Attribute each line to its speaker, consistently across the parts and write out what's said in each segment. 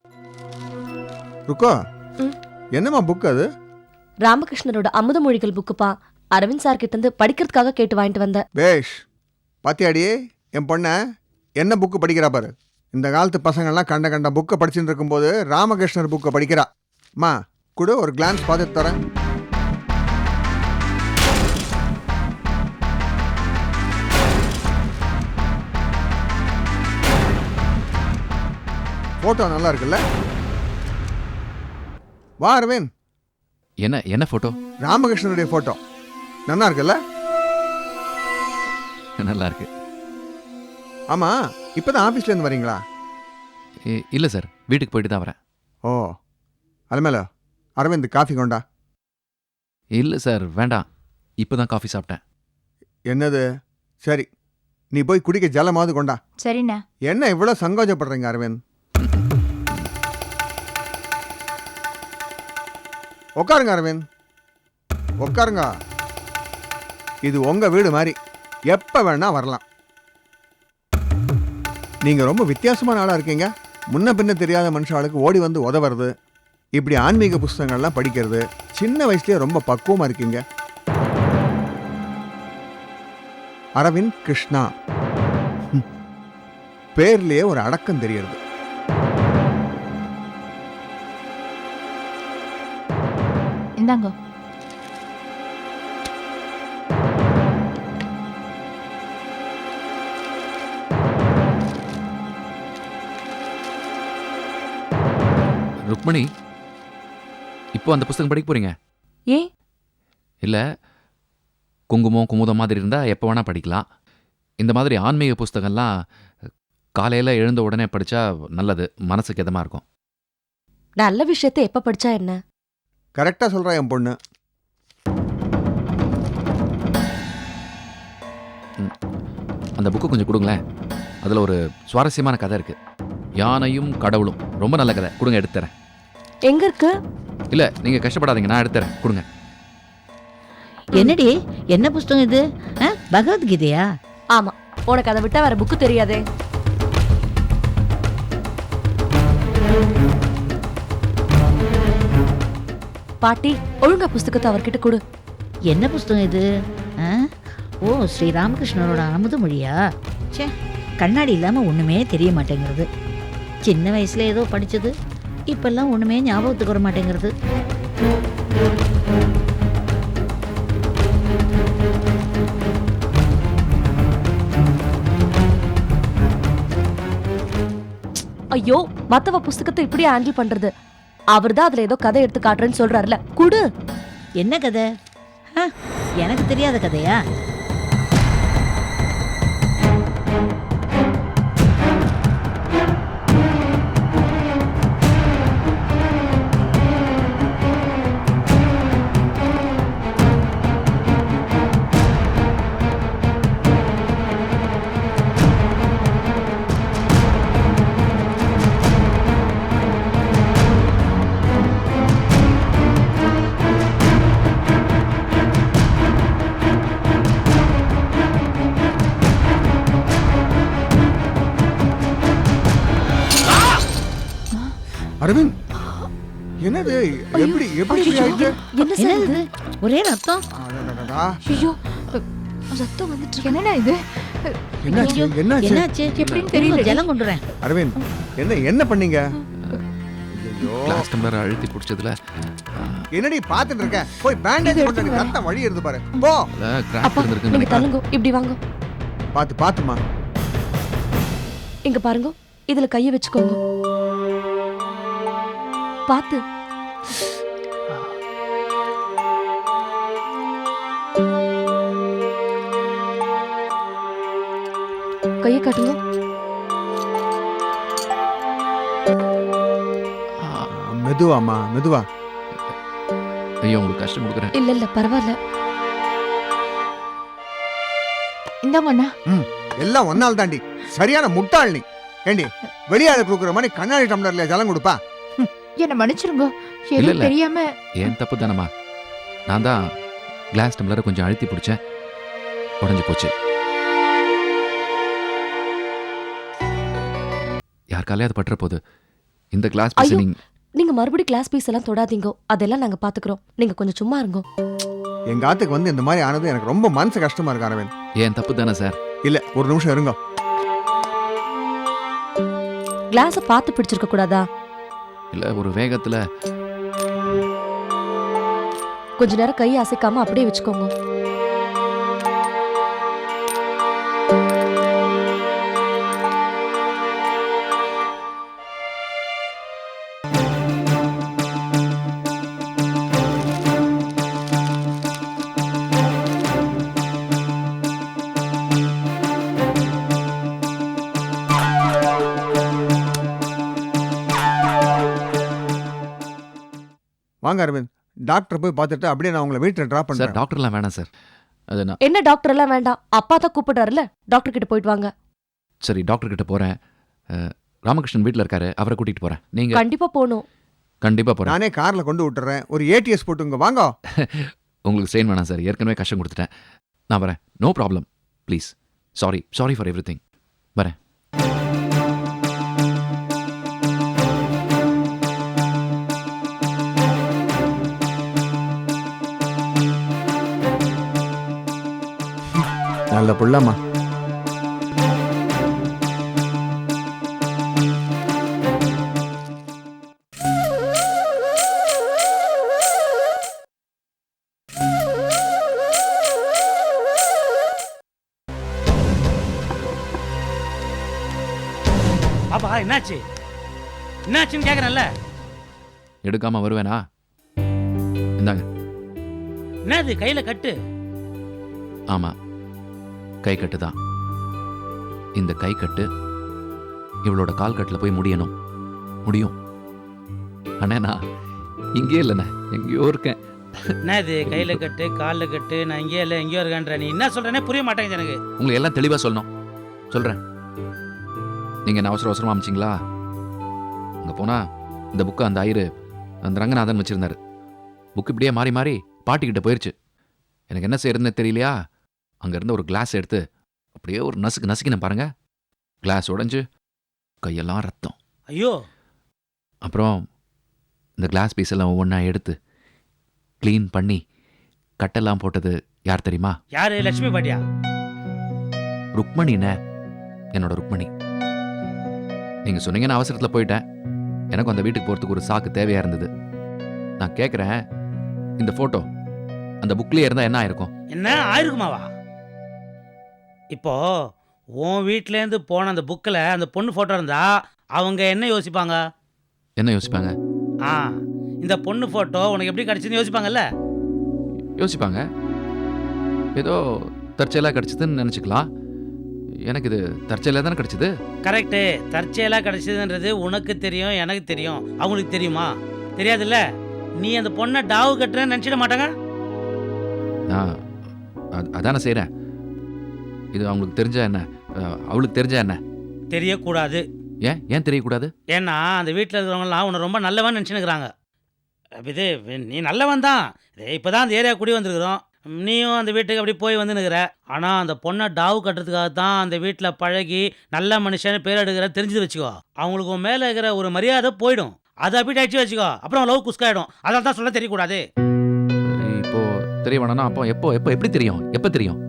Speaker 1: ருக்கோ என்னம்மா புக் அது?
Speaker 2: ராமகிருஷ்ணரோட அமுத மொழிகள் புக்குப்பா. அரவிந்த் சார் கிட்ட இருந்து படிக்கிறதுக்காக கேட்டு வாங்கிட்டு வந்தேன்.
Speaker 1: பேஷ். பாத்தியாடியே என் பொண்ண என்ன புக்கு படிக்கிறா பாரு. இந்த காலத்து பசங்கள்லாம் கண்ட கண்ட புக்கை படிச்சுட்டு இருக்கும்போது ராமகிருஷ்ணர் புக்கை படிக்கிறா. அம்மா கூட ஒரு கிளான்ஸ் பார்த்துட்டு தரேன். போட்டோ நல்லா இருக்குல்ல? வா அரவிந்த்.
Speaker 3: என்ன என்ன போட்டோ?
Speaker 1: ராமகிருஷ்ணனுடைய போட்டோ நல்லா இருக்குல்ல?
Speaker 3: நல்லா இருக்கு.
Speaker 1: ஆமா, இப்பதான் ஆபீஸ்ல இருந்து வரீங்களா?
Speaker 3: இல்ல சார், வீட்டுக்கு போயிட்டு தான் வரேன்.
Speaker 1: ஓ, அலமேல அரவிந்த் காஃபி கொண்டா.
Speaker 3: இல்ல சார், வேண்டாம். இப்பதான் காஃபி சாப்பிட்டேன்.
Speaker 1: என்னது? சரி, நீ போய் குடிக்க ஜலமாவது கொண்டா.
Speaker 4: சரிண்ணா.
Speaker 1: என்ன இவ்வளவு சங்கோஜப்படுறீங்க அரவிந்த்? உட்காருங்க அரவிந்த், உட்காருங்க. இது உங்க வீடு மாதிரி, எப்ப வேணா வரலாம். நீங்க ரொம்ப வித்தியாசமான ஆளா இருக்கீங்க. முன்ன பின்ன தெரியாத மனுஷாளுக்கு ஓடி வந்து உதவுறது, இப்படி ஆன்மீக புஸ்தகங்கள்லாம் படிக்கிறது, சின்ன வயசுலயே ரொம்ப பக்குவமா இருக்கீங்க. அரவிந்த் கிருஷ்ணா, பேர்லயே ஒரு அடக்கம் தெரியறது.
Speaker 4: இந்தாங்க.
Speaker 3: ருக்மணி, இப்போ அந்த புஸ்தகம் படிக்க போறீங்க?
Speaker 2: ஏன்?
Speaker 3: இல்ல, குங்குமம் குமுதம் மாதிரி இருந்தா எப்போ வேணா படிக்கலாம். இந்த மாதிரி ஆன்மீக புஸ்தகம்லாம் காலையில எழுந்த உடனே படிச்சா நல்லது, மனசுக்கு இதமா இருக்கும்.
Speaker 2: நல்ல விஷயத்தை எப்ப படிச்சா என்ன?
Speaker 1: கரெக்டா சொல்றா என் பொண்ணு.
Speaker 3: அந்த புக்கு கொஞ்சம் கொடுங்களேன். அதுல ஒரு சுவாரஸ்யமான கதை இருக்கு. யானையும் கடவுளும். ரொம்ப நல்ல கதை. கொடுங்க, எடுத்துறேன்.
Speaker 2: எங்க இருக்கு?
Speaker 3: இல்ல, நீங்க கஷ்டப்படாதீங்க, நான் எடுத்துறேன். கொடுங்க.
Speaker 5: என்னடி, என்ன புஸ்தகம் இது? பகவத்கீதையா?
Speaker 2: ஆமா, உனக்கு அதை விட்டா வேற புக்கு தெரியாதே. பாட்டி, ஒழுங்கா புஸ்தகத்தை அவர்கிட்ட கொடு.
Speaker 5: என்ன புஸ்தகம் இது? ஓ, ஸ்ரீ ராமகிருஷ்ணரோட அமுத மொழியா? சே, கண்ணாடி இல்லாம ஒண்ணுமே தெரிய மாட்டேங்கிறது. சின்ன வயசுல ஏதோ படிச்சது, இப்பெல்லாம் ஒண்ணுமே ஞாபகத்துக்கு வர மாட்டேங்கிறது.
Speaker 2: ஐயோ, மத்தவ புஸ்தகத்தை இப்படி ஹேண்டில் பண்றது. அவர்தான் அதுல ஏதோ கதை எடுத்து காட்டுறேன்னு சொல்றாருல, குடு.
Speaker 5: என்ன கதை? எனக்கு தெரியாத கதையா?
Speaker 1: அரவிந்த், என்னது? எப்படி எப்படி இப்படி ஆயிட்டு?
Speaker 2: என்ன சார்
Speaker 5: என்னது
Speaker 2: இது?
Speaker 5: இது? ஒரே ரத்தம்.
Speaker 1: அடடடடா.
Speaker 2: ஐயோ, ரத்தம் வந்துட்டு இருக்கு.
Speaker 4: என்னண்ணா இது?
Speaker 1: என்னாச்சு?
Speaker 5: ஐயோ,
Speaker 1: என்னாச்சு?
Speaker 5: என்னாச்சு?
Speaker 4: எப்படின்னு தெரியல.
Speaker 5: ஜலம் கொண்டு வரேன்.
Speaker 1: அரவிந்த், என்ன பண்ணீங்க? ஐயோ,
Speaker 3: கிளாஸ் டம்ளர் அழுத்தி பிடிச்சதுல
Speaker 1: என்னடி பாத்துட்டு இருக்க? போய் பேண்டேஜ் போட்டு அடி, ரத்தம் வழி இருந்து பாரு. போ.
Speaker 3: கிராக்
Speaker 2: அப்பா,
Speaker 3: இருந்திருக்குன்னு
Speaker 2: நீங்க
Speaker 3: நினைக்கிறேன்.
Speaker 2: தள்ளுங்க, இப்படி வாங்க.
Speaker 1: பாத்துமா.
Speaker 2: இங்க பாருங்க, இதுல கைய வச்சுக்கோங்க. பாத்து. கையை காட்டுங்க.
Speaker 1: மெதுவாமா, மெதுவா.
Speaker 3: ஐயோ, உங்களுக்கு கஷ்டம் கொடுக்குறேன்.
Speaker 2: இல்ல பரவாயில்ல.
Speaker 4: இந்தாங்கண்ணா.
Speaker 1: எல்லாம் ஒன்னால் தாண்டி. சரியான முட்டாள் நீ. ஏண்டி, வெளியாளு கொடுக்குற மாதிரி கண்ணாடி டம்ளர்ல ஜலம் கொடுப்பா?
Speaker 4: என்ன மன்னிச்சிருங்க,
Speaker 3: இல்ல,
Speaker 4: எதுவும்
Speaker 3: இல்ல.
Speaker 4: தெரியாம.
Speaker 3: ஏன் தப்பு தானம்மா? நான் தான் கிளாஸ் டம்ளரை கொஞ்சம் அழுத்தி பிடிச்சேன், உடஞ்சி போச்சு. யாருக்காலே அது பட்டுற போது இந்த கிளாஸ் பீஸ்
Speaker 2: ஐயோ.
Speaker 3: நீங்க
Speaker 2: நீங்க மறுபடியும் கிளாஸ் பீஸ் எல்லாம் தொடாதீங்க, அதெல்லாம் நாங்க பாத்துக்கிறோம். நீங்க கொஞ்சம் சும்மா இருங்க.
Speaker 1: எங்க ஆத்துக்கு வந்து இந்த மாதிரி ஆனது எனக்கு ரொம்ப மனசு கஷ்டமா இருக்கு அரவிந்த்.
Speaker 3: ஏன் தப்பு தானே சார்?
Speaker 1: இல்ல ஒரு நிமிஷம் இருங்க.
Speaker 2: கிளாஸ பார்த்து பிடிச்சிருக்க கூடாதா?
Speaker 3: இல்ல ஒரு வேகத்துல
Speaker 2: கொஞ்ச நேரம் கை அசைக்காம அப்படியே வச்சுக்கோங்க.
Speaker 1: வாங்க அரவிந்த், டாக்டர் போய் பார்த்துட்டு அப்படியே நான் உங்களை வீட்டில் ட்ராப்
Speaker 3: சார்
Speaker 1: பண்றேன்.
Speaker 3: டாக்டர்லாம் வேணாம் சார். அது நான்
Speaker 2: என்ன டாக்டர் எல்லாம் வேண்டாம், அப்பா தான் கூப்பிடுறாருல, டாக்டர் கிட்ட போயிட்டு வாங்க.
Speaker 3: சரி டாக்டர் கிட்ட போறேன். ராமகிருஷ்ணன் வீட்டில் இருக்காரு, அவரை கூட்டிட்டு போறேன். நீங்க
Speaker 2: கண்டிப்பா போகணும்.
Speaker 3: கண்டிப்பா போறேன்.
Speaker 1: நானே கார்ல கொண்டு விட்டுறேன். ஒரு ஏடிஎஸ் போட்டுங்க வாங்க.
Speaker 3: உங்களுக்கு ஸ்ட்ரெயின் வேணாம் சார், ஏற்கனவே கஷ்டம் கொடுத்துட்டேன். நான் வரேன், no problem. Please, sorry for everything. வரேன்.
Speaker 1: நல்ல புள்ளம்மா.
Speaker 6: பாப்பா என்னாச்சு என்னாச்சுன்னு கேக்குறேன்ல.
Speaker 3: எடுக்காம வருவேனா? இந்தாங்க.
Speaker 6: என்னது கையில கட்டு?
Speaker 3: ஆமா, கை கட்டு தான். இந்த கை கட்டு இவளோட கால் கட்டில் போய் முடியும். அண்ணே நான் இங்கே இல்லைண்ணே, எங்கேயோ இருக்கேன்.
Speaker 6: என்னது கையில கட்டு கால்ல கட்டு? நான் இங்கே இல்லை எங்கேயோ இருக்கேன்ற. நீ என்ன சொல்றேனே புரிய மாட்டேங்குது எனக்கு.
Speaker 3: உங்களுக்கு எல்லாம் தெளிவாக சொல்லணும். சொல்கிறேன். நீங்கள் என்ன அவசரமாக அமைச்சிங்களா? அங்கே போனால் இந்த புக்கு அந்த ஐயரு அந்த ரங்கநாதன் வச்சுருந்தாரு. புக்கு இப்படியே மாறி மாறி பாட்டிக்கிட்ட போயிடுச்சு. எனக்கு என்ன செய்யறதுன்னு தெரியலையா, அங்கே இருந்த ஒரு கிளாஸ் எடுத்து அப்படியே ஒரு நசுக்கினேன் பாருங்க. கிளாஸ் உடைஞ்சு கையெல்லாம் ரத்தம்.
Speaker 6: ஐயோ.
Speaker 3: அப்புறம் இந்த கிளாஸ் பீஸ் எல்லாம் ஒவ்வொன்றா எடுத்து க்ளீன் பண்ணி கட்டெல்லாம் போட்டது யார் தெரியுமா?
Speaker 6: யாரு? லட்சுமி பாட்டியா?
Speaker 3: ருக்மணிண்ணே, என்னோட ருக்மணி. நீங்கள் சொன்னீங்கன்னு அவசரத்தில் போயிட்டேன். எனக்கும் அந்த வீட்டுக்கு போகிறதுக்கு ஒரு சாக்கு தேவையாக இருந்தது. நான் கேட்குறேன், இந்த ஃபோட்டோ அந்த புக்லேயே இருந்தால் என்ன ஆயிருக்கும்?
Speaker 6: என்ன ஆயிருக்குமாவா? இப்போ உன் வீட்டிலேருந்து போன அந்த புக்கில் அந்த பொண்ணு ஃபோட்டோ இருந்தா அவங்க என்ன யோசிப்பாங்க?
Speaker 3: என்ன யோசிப்பாங்க?
Speaker 6: ஆ, இந்த பொண்ணு ஃபோட்டோ உனக்கு எப்படி கிடைச்சதுன்னு யோசிப்பாங்கல்ல?
Speaker 3: யோசிப்பாங்க. ஏதோ தற்செயலாக கிடச்சிதுன்னு நினச்சிக்கலாம். எனக்கு இது தற்செயலாக தானே கிடச்சிது. கரெக்டு.
Speaker 6: தற்செயலாக கிடைச்சதுன்றது உனக்கு தெரியும், எனக்கு தெரியும். அவங்களுக்கு தெரியுமா? தெரியாதுல்ல. நீ அந்த பொண்ணை டாவு கட்டுறேன்னு நினச்சிட மாட்டாங்க?
Speaker 3: நான் அதானே செய்கிறேன். இது அவங்களுக்கு தெரிஞ்சா என்ன, அவளுக்கு தெரிஞ்சா என்ன?
Speaker 6: தெரியக்கூடாது.
Speaker 3: ஏன் தெரியக்கூடாது?
Speaker 6: ஏன்னா அந்த வீட்டில் இருக்கிறவங்கலாம் உன்னை ரொம்ப நல்லவன் நினச்சினுக்கிறாங்க. இது நீ நல்லவன் தான். இப்போ தான் அந்த ஏரியா குடி வந்துருக்குறோம். நீயும் அந்த வீட்டுக்கு அப்படி போய் வந்துனுக்கிற. ஆனால் அந்த பொண்ணை டாவு கட்டுறதுக்காக தான் அந்த வீட்டில் பழகி நல்ல மனுஷன்னு பேர் எடுக்கிற தெரிஞ்சு வச்சுக்கோ. அவங்களுக்கு உன் மேலே இருக்கிற ஒரு மரியாதை போயிடும். அதை அப்படி அடிச்சு வச்சுக்கோ. அப்புறம் லவ் குஸ்காயிடும். அதனால தான் சொல்ல தெரியக்கூடாது.
Speaker 3: இப்போ தெரிய வேணாம்னா அப்போ எப்போ எப்படி தெரியும்? எப்போ தெரியும்?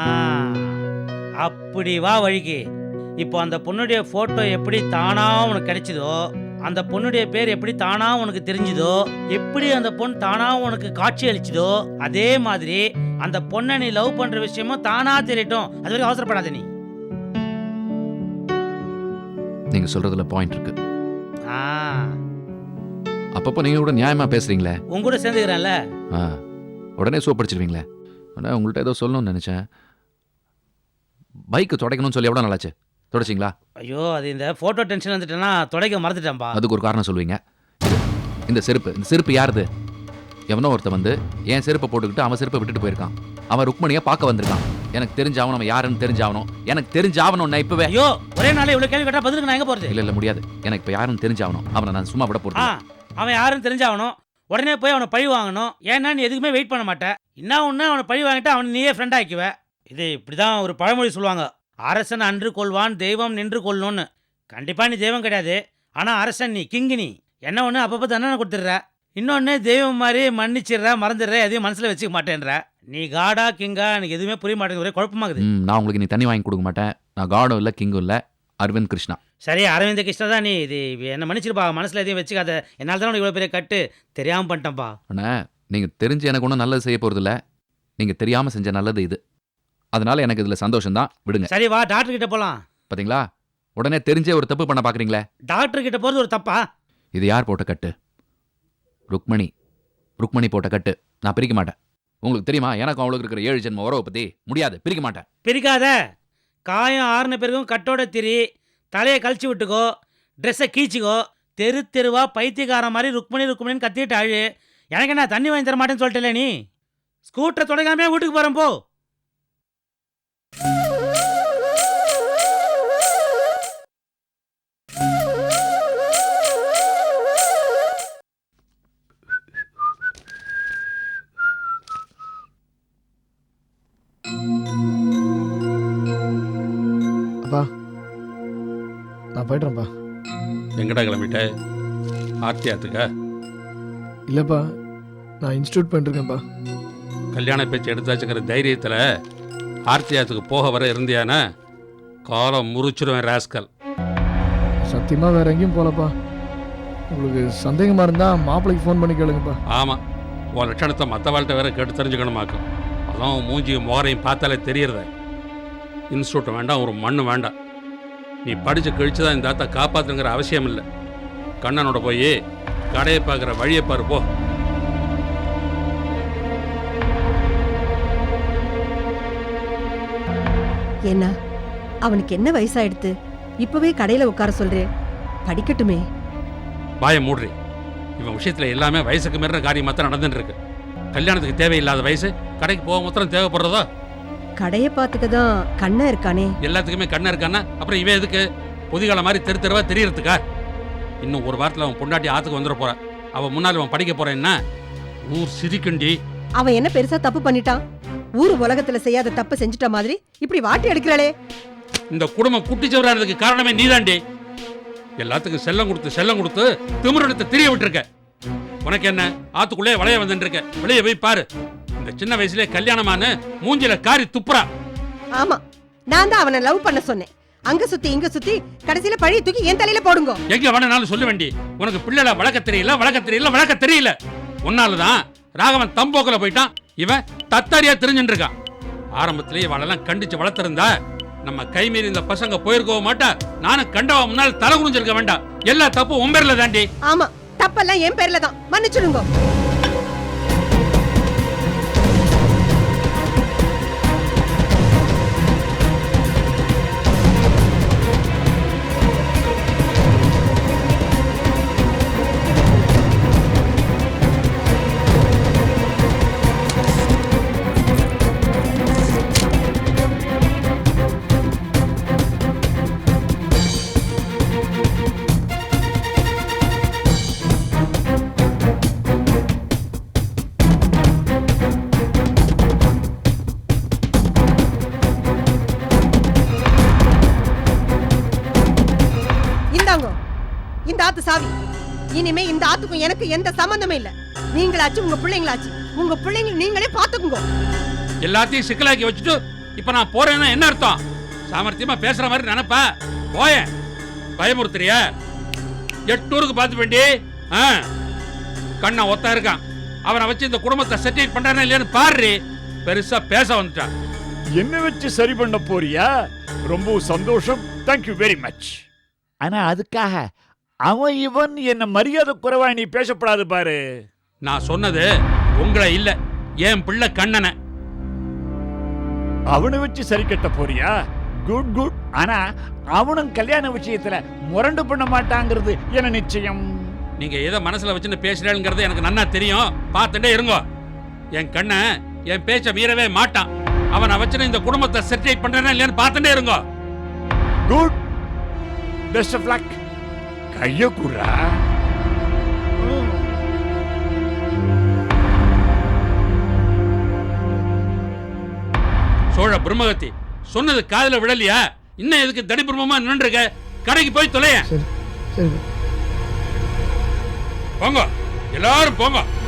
Speaker 6: அப்படி வா வழிக்கு. இப்போ அந்த பொண்ணுடைய ஃபோட்டோ எப்படி தானா உனக்கு கிடைச்சதோ, அந்த பொண்ணுடைய பேர் எப்படி தானா உனக்கு தெரிஞ்சுதோ, எப்படி அந்த பொண்ணு தானா உனக்கு காட்சி அளிச்சுதோ, அதே மாதிரி அந்த பொண்ணை நீ லவ் பண்ற விஷயமும் தானா தெரியட்டும். அது வரைக்கும் அவசரப்படாத நீ.
Speaker 3: நீங்க சொல்றதுல பாயிண்ட் இருக்கு.
Speaker 6: ஆ,
Speaker 3: அப்பப்போ நீங்க கூட நியாயமா பேசுறீங்களே.
Speaker 6: உன் கூட சேர்ந்துக்கிறேன்ல.
Speaker 3: உடனே சோப்படிச்சிருவீங்களே. ஆனால் உங்கள்கிட்ட ஏதோ சொல்லணும்னு நினைச்சேன். பைக்கு துடைக்கணும்னு சொல்லி எவ்வளோ நல்லாச்சு? தொடச்சிங்களா?
Speaker 6: ஐயோ, அது இந்த போட்டோ டென்ஷன் வந்துட்டேன்னா துடைக்க மறந்துட்டேன்பா.
Speaker 3: அதுக்கு ஒரு காரணம் சொல்லுவீங்க. இந்த செருப்பு யாருது? எவனோ ஒருத்த வந்து என் செருப்பை போட்டுக்கிட்டு அவன் செருப்பை விட்டுட்டு போயிருக்கான். அவன் ருக்மணியை பார்க்க வந்திருக்கான். எனக்கு தெரிஞ்சாவணும், அவன் யாருன்னு தெரிஞ்சாவணும். எனக்கு தெரிஞ்சாவணும் நான் இப்பவே.
Speaker 6: ஐயோ, ஒரே நாளே இவ்வளோ கேள்வி கேட்டால் பதிலுக்கு நான் எங்கே போகிறது?
Speaker 3: இல்லை முடியாது. எனக்கு இப்போ யாருன்னு தெரிஞ்சாவணும். அவனை நான் சும்மா விட போகிறேன்.
Speaker 6: அவன் யாருன்னு தெரிஞ்சாகணும். உடனே போய் அவனை பழி வாங்கணும். ஏன்னா நீ எதுக்குமே வெயிட் பண்ண மாட்டேன். என்ன ஒன்று அவனை பழி வாங்கிட்டு அவனை நீயே ஃப்ரெண்ட் ஆக்கிவ. இது இப்படி தான் ஒரு பழமொழி சொல்லுவாங்க. அரசன் அன்று கொள்வான், தெய்வம் நின்று கொள்ளணும்னு. கண்டிப்பாக நீ தெய்வம் கிடையாது. ஆனால் அரசன் நீ கிங்கு நீ என்ன ஒன்று அப்பப்போ தண்டனை கொடுத்துட்ற, இன்னொன்று தெய்வம் மாதிரி மன்னிச்சிடுற மறந்துடுற, எதையும் மனசில் வச்சுக்க மாட்டேன்ற. நீ காடா கிங்கா எனக்கு எதுவுமே புரிய மாட்டேங்குது, ஒரே குழப்பமாகுது.
Speaker 3: நான் உங்களுக்கு நீ தண்ணி வாங்கி கொடுக்க மாட்டேன். நான் காடும் இல்லை கிங்கும் இல்லை, அரவிந்த் கிருஷ்ணா.
Speaker 6: சரி அரவிந்த் கிருஷ்ணா தான் நீ, இது என்ன மன்னிச்சிருப்பா, மனசில் எதையும் வச்சுக்காத. என்னால் தான் இவ்வளோ பெரிய கட்டு தெரியாமல் பண்ணிட்டேன்ப்பா.
Speaker 3: அண்ணா நீங்கள் தெரிஞ்சு எனக்கு ஒன்றும் நல்லது செய்ய போகிறதில்ல, நீங்கள் தெரியாமல் செஞ்ச நல்லது இது. அதனால எனக்கு இதில் சந்தோஷம்தான், விடுங்க.
Speaker 6: சரி வா டாக்டர் கிட்ட போகலாம்.
Speaker 3: பார்த்தீங்களா, உடனே தெரிஞ்சே ஒரு தப்பு பண்ண பார்க்குறீங்களே.
Speaker 6: டாக்டர் கிட்ட போகிறது ஒரு தப்பா?
Speaker 3: இது யார் போட்ட கட்டு? ருக்மணி போட்ட கட்டு. நான் பிரிக்க மாட்டேன். உங்களுக்கு தெரியுமா, எனக்கு அவளுக்கு இருக்கிற 7 ஜென்ம உறவை பற்றி முடியாது, பிரிக்க மாட்டேன்.
Speaker 6: பிரிக்காத. காயம் ஆறுன பிறகும் கட்டோட திரி, தலையை கழிச்சு விட்டுக்கோ, ட்ரெஸ்ஸை கீச்சிக்கோ, தெரு தெருவா பைத்தியக்கார மாதிரி ருக்மணின்னு கத்திட்டு அழு. எனக்கு என்ன தண்ணி வாங்கி தர மாட்டேன்னு சொல்லிட்டல நீ. ஸ்கூட்டரை தொடங்காமே வீட்டுக்கு போகிறேன் போ.
Speaker 7: அப்பா நான் போய்ட்றேன்ப்பா.
Speaker 8: எங்கடா கிளம்பிட்ட? ஆர்த்தியாத்துக்கா?
Speaker 7: இல்லைப்பா, நான் இன்ஸ்டியூட் பண்ணிருக்கேன்ப்பா.
Speaker 8: கல்யாண பேச்சு எடுத்தாச்சுங்கிற தைரியத்தில் ஆர்த்தியாத்துக்கு போக வர இருந்தியானா காலம் முறிச்சிருவேன் ராஸ்கல்.
Speaker 7: சத்தியமாக வேற எங்கேயும் போகலப்பா. உங்களுக்கு சந்தேகமாக இருந்தால் மாப்பிள்ளைக்கு ஃபோன் பண்ணி கேளுங்கப்பா.
Speaker 8: ஆமாம், உன் லட்சணத்தை மற்ற வாழ்க்கை வேற கேட்டு தெரிஞ்சுக்கணுமாக்கும். அதான் மூஞ்சியும் முகரையும் பார்த்தாலே தெரியறத. இன்ஸ்டியூட் வேண்டாம், ஒரு மண்ணு வேண்டாம். நீ படித்து கழிச்சு தான் இந்த ஆத்தை காப்பாற்றுங்கிற அவசியம் இல்லை. கண்ணனோட போய் கடையை பார்க்குற வழியை பாரு போ.
Speaker 9: என்ன அவனுக்கு என்ன வயசாயிடுத்து? இப்பவே கடையில உட்கார சொல்றேன், படிக்கட்டுமே.
Speaker 8: வாயை மூடுறி. இவன் விஷயத்தில் எல்லாமே வயசுக்கு மீறின காரியமாக தான் நடந்துட்டு இருக்கு. கல்யாணத்துக்கு தேவையில்லாத வயசு, கடைக்கு போக மாத்திரம் தேவைப்படுறதோ?
Speaker 9: கடையை பார்த்துக்க தான் கண்ணா இருக்கானே.
Speaker 8: எல்லாத்துக்குமே கண்ணா இருக்கானா அப்புறம் இவன் எதுக்கு பொதிகால மாதிரி தெரு தெருவா தெரியறதுக்கா? இன்னும் ஒரு வாரத்தில் அவன் பொண்டாட்டி ஆத்துக்கு வந்துட போறான். அவன் முன்னாடி அவன் படிக்க போறேன்னா ஊர் சிரிக்குண்டி.
Speaker 9: அவன் என்ன பெருசா தப்பு பண்ணிட்டான்? ஊரு உலகத்துல செய்யாத தப்பு செஞ்சுட்ட மாதிரி இப்படி வாட்டி எடுக்கிறாளே.
Speaker 8: இந்த குடும்பம் குட்டிச்சவரானதுக்கு காரணமே நீதாண்டி. எல்லாத்துக்கும் செல்லம் கொடுத்து திமிரெடுத்து திரிய விட்டுருக்க. உனக்கு என்ன, ஆத்துக்குள்ளே வளைய வந்துட்டு இருக்க? வெளியே போய் பாரு. இந்த சின்ன வயசுல கல்யாணமான மூஞ்சில காரி துப்புறா.
Speaker 9: ஆமா, நான் தான் அவனை லவ் பண்ண சொன்னேன். அங்க சுத்தி இங்க சுத்தி கடைசியில பழைய தூக்கி என் தலையில போடுங்க.
Speaker 8: எங்க வேணாலும் சொல்ல வேண்டி. உனக்கு பிள்ளைல வளர்க்க தெரியல. உன்னாலதான் ராகவன் தம்போக்கல போயிட்டான். இவன் தத்தாரியா தெரிஞ்சுட்டு இருக்கான். ஆரம்பத்திலேயே இவளெல்லாம் கண்டிச்சு வளர்த்திருந்தா நம்ம கைமீறி இந்த பசங்க போயிருக்கவும் மாட்டா. நானும் கண்டவா முன்னால் தலை குனிஞ்சிருக்க வேண்டாம். எல்லா தப்பும் உன் பேர்ல தாண்டி.
Speaker 9: ஆமா, தப்பெல்லாம் என் பேர்ல தான், மன்னிச்சிடுங்க. இந்த ஆத்து சாவி. இனிமே இந்த ஆத்துக்கும் எனக்கு எந்த சம்பந்தமே இல்ல. நீங்களாச்சு உங்க பிள்ளைங்களாச்சு, உங்க பிள்ளைங்க நீங்களே பாத்துக்குங்க.
Speaker 8: எல்லாத்தையும் சிக்கலாக்கி வச்சுட்டு இப்ப நான் போறேன்னா என்ன அர்த்தம்? சாமர்த்தியமா பேசுற மாதிரி நினைப்பா? போய பயமுறுத்துறியா? 8 ஊருக்கு பார்த்து வேண்டி கண்ணா ஒத்தா இருக்கான். அவனை வச்சு இந்த குடும்பத்தை செட்டில் பண்றானே இல்லையான்னு பாரு. பெருசா பேச வந்துட்டான்.
Speaker 10: என்ன வச்சு சரி பண்ண போறியா? ரொம்ப சந்தோஷம், தேங்க்யூ வெரி மச். ஆனா அதுக்காக அவன் இவன் என்ன மரியாதை குறைவா நீ பேசப்படாது பாரு.
Speaker 8: நான் சொன்னது உங்களை இல்ல, என் பிள்ளை கண்ணனை.
Speaker 10: அவனை வச்சு சரி கட்ட போறியா? Good good. ஆனா அவனும் கல்யாண விஷயத்துல முரண்டு பண்ண மாட்டாங்கிறது என்ன நிச்சயம்?
Speaker 8: நீங்க எதை மனசுல வச்சுன்னு பேசுறேங்கிறது எனக்கு நன்னா தெரியும். பார்த்துட்டே இருங்கோ. என் கண்ணன் என் பேச்ச மீறவே மாட்டான். அவனை வச்சுன்னு இந்த குடும்பத்தை செட்டில் பண்றேன்னா இல்லையான்னு பார்த்துட்டே இருங்கோ.
Speaker 10: Good, best of luck. கைய குறா.
Speaker 8: சோழ பிரம்மகத்தி சொன்னது காதுல விழலையா? இன்னும் எதுக்கு தடி பிரம்மமா நின்றுருக்க? கடைக்கு போய் தொலைய.
Speaker 7: சரி சரி
Speaker 8: போங்க எல்லாரும் போங்க